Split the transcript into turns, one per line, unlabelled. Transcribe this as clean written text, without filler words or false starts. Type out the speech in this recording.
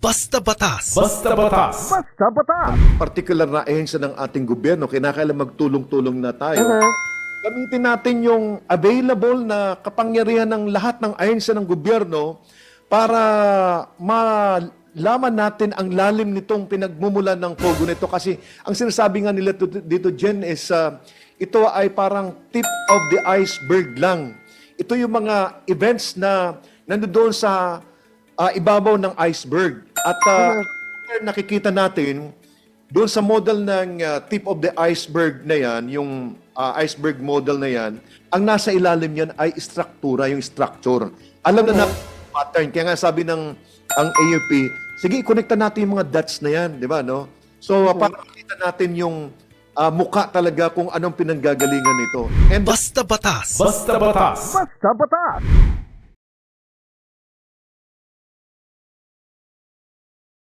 Basta Batas.
Basta Batas.
Basta Batas.
Particular na ahensya ng ating gobyerno, kinakailangan magtulong-tulong na tayo. Gamitin natin yung available na kapangyarihan ng lahat ng ahensya ng gobyerno para malaman natin ang lalim nitong pinagmumulan ng pogo nito. Kasi ang sinasabi nga nila dito, Jen, is ito ay parang tip of the iceberg lang. Ito yung mga events na nandoon sa ibabaw ng iceberg. At nakikita natin, doon sa model ng tip of the iceberg na yan, yung iceberg model na yan, ang nasa ilalim yan ay struktura, yung structure. Alam na natin yung pattern. Kaya nga sabi ng ang AFP, sige, i-connecta natin yung mga dots na yan, di ba, no? So, para makita natin yung mukha talaga kung anong pinanggagalingan nito. And
Basta Batas.
Basta Batas.
Basta Batas.